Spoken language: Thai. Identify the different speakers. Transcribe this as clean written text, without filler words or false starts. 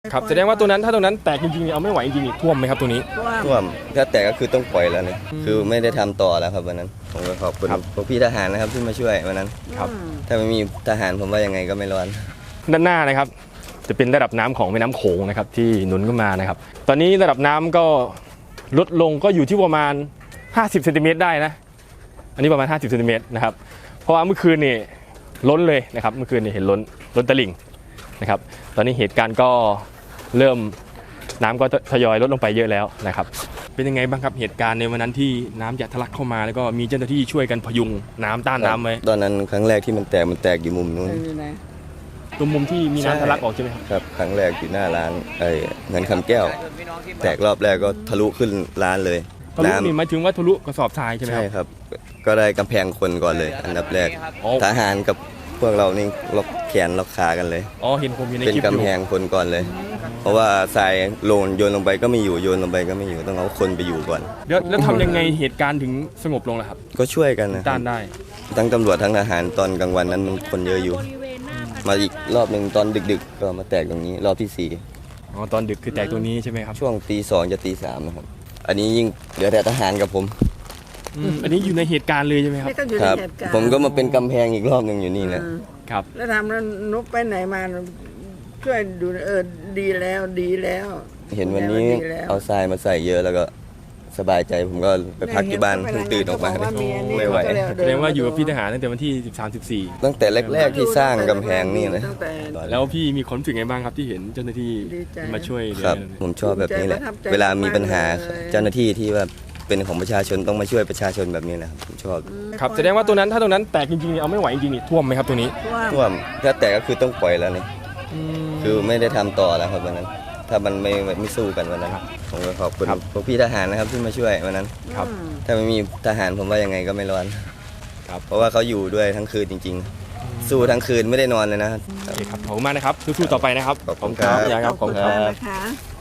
Speaker 1: ครับแสดงว่าตัวนั้นถ้าตัวนั้นแตกจริงๆเอาไม่ไหวจริงๆท่วมไหมครับตัวนี้
Speaker 2: ท่วมถ้าแตกก็คือต้องปล่อยแล้วนี่คือไม่ได้ทำต่อแล้วครับวันนั้นผมก็ขอบคุณพวกพี่ทหารนะครับที่มาช่วยวันนั้น
Speaker 1: ครับ
Speaker 2: ถ้าไม่มีทหารผมว่ายังไงก็ไม่รอด
Speaker 1: ด้านหน้านะครับจะเป็นระดับน้ำของแม่น้ำโขงนะครับที่หนุนขึ้นมานะครับตอนนี้ระดับน้ำก็ลดลงก็อยู่ที่ประมาณ50 เซนติเมตรได้นะอันนี้ประมาณ50 เซนติเมตรนะครับเพราะว่าเมื่อคืนนี่ล้นเลยนะครับเมื่อคืนนี่เห็นล้นตลิ่งนะครับตอนนี้เหตุการณ์ก็เริ่มน้ำก็ทยอยลดลงไปเยอะแล้วนะครับเป็นยังไงบ้างครับเหตุการณ์ในวันนั้นที่น้ำจะทะลักเข้ามาแล้วก็มีเจ้าหน้าที่ช่วยกันพยุงน้ำต้านน้ำไว้
Speaker 2: ตอนนั้นครั้งแรกที่มันแตกอยู่มุมนู้น
Speaker 1: ตรงมุมที่มีน้ำทะลักออกใช่ไหมครับ
Speaker 2: ครับครั้งแรกอยู่หน้าร้านเงินคำแก้วแตกรอบแรกก็ทะลุขึ้นร้านเลย
Speaker 1: ทะลุนี่หมายถึงว่าทะลุกระสอบทรายใช่ไหมครับ
Speaker 2: ใช่ครับก็ได้กำแพงคนก่อนเลยอันดับแรกทหารกับพวกเรานี่ล็อกแขนล็อกขากันเลย
Speaker 1: อ๋อเห็นผมอยู่ในคลิป
Speaker 2: เป็นกำแพงคนก่อนเลยเพราะว่าทรายโยนลงไปก็ไม่อยู่โยนลงไปก็ไม่อยู่ต้องเอาคนไปอยู่ก่อน
Speaker 1: แล้วทำยังไงเหตุการณ์ถึงสงบลงล่ะครับ
Speaker 2: ก็ช่วยกันนะ
Speaker 1: ต้านได้
Speaker 2: ทั้งตำรวจทั้งทหารตอนกลางวันนั้นมันคนเยอะอยู่มาอีกรอบหนึ่งตอนดึกๆก็มาแตกตรงนี้รอบที่4
Speaker 1: อ๋อตอนดึกคือแตกตัวนี้ใช่ไหมครับ
Speaker 2: ช่วงตี 2จะตี 3นะครับอันนี้ยิ่งเหลือแต่ทหารกับผม
Speaker 1: อันนี้อยู่ในเหตุการณ์เลยใช่ไหมครับ
Speaker 2: ครับผมก็มาเป็นกำแพงอีกรอบหนึ่งอยู่นี่นะครับ
Speaker 3: แล้วทำแล้วนุ๊กไปไหนมาช่วยดูดีแล้ว
Speaker 2: เห็นวันนี้เอาทรายมาใส่เยอะแล้วก็สบายใจผมก็ไปพักที่บ้านเพิ่งตื่นออกมาไม่ไหว
Speaker 1: แสดงว่าอยู่กับพี่ทหารตั้งแต่วันที่13-14
Speaker 2: ตั้งแต่แรกๆที่สร้างกำแพงนี่เลย
Speaker 1: แล้วพี่มีความรู้สึกไงบ้างครับที่เห็นเจ้าหน้าที่มาช่วย
Speaker 2: ครับผมชอบแบบนี้แหละเวลามีปัญหาเจ้าหน้าที่ที่ว่าเป็นของประชาชนต้องมาช่วยประชาชนแบบนี้นะครับผมชอบ
Speaker 1: ครับแสดงว่าตัวนั้นถ้าตัวนั้นแตกจริงๆเอาไม่ไหวจริงๆท่วมไหมครับตัวนี้
Speaker 2: ท่วมถ้าแตกก็คือต้องปล่อยแล้วนี่คือไม่ได้ทำต่อแล้วครับวันนั้นถ้ามันไม่สู้กันวันนั้นผมก็ขอบคุณพวกพี่ทหารนะครับที่มาช่วยวันนั้น
Speaker 1: ครับ
Speaker 2: ถ้าไม่มีทหารผมว่ายังไงก็ไม่รอด
Speaker 1: ครับ
Speaker 2: เพราะว่าเขาอยู่ด้วยทั้งคืนจริงๆสู้ทั้งคืนไม่ได้นอนเลยนะ
Speaker 1: โอเคครับขอบคุณมากนะครับสู้ๆต่อไปนะครับ
Speaker 2: ขอบคุณครับ
Speaker 3: ขอบคุณค่ะ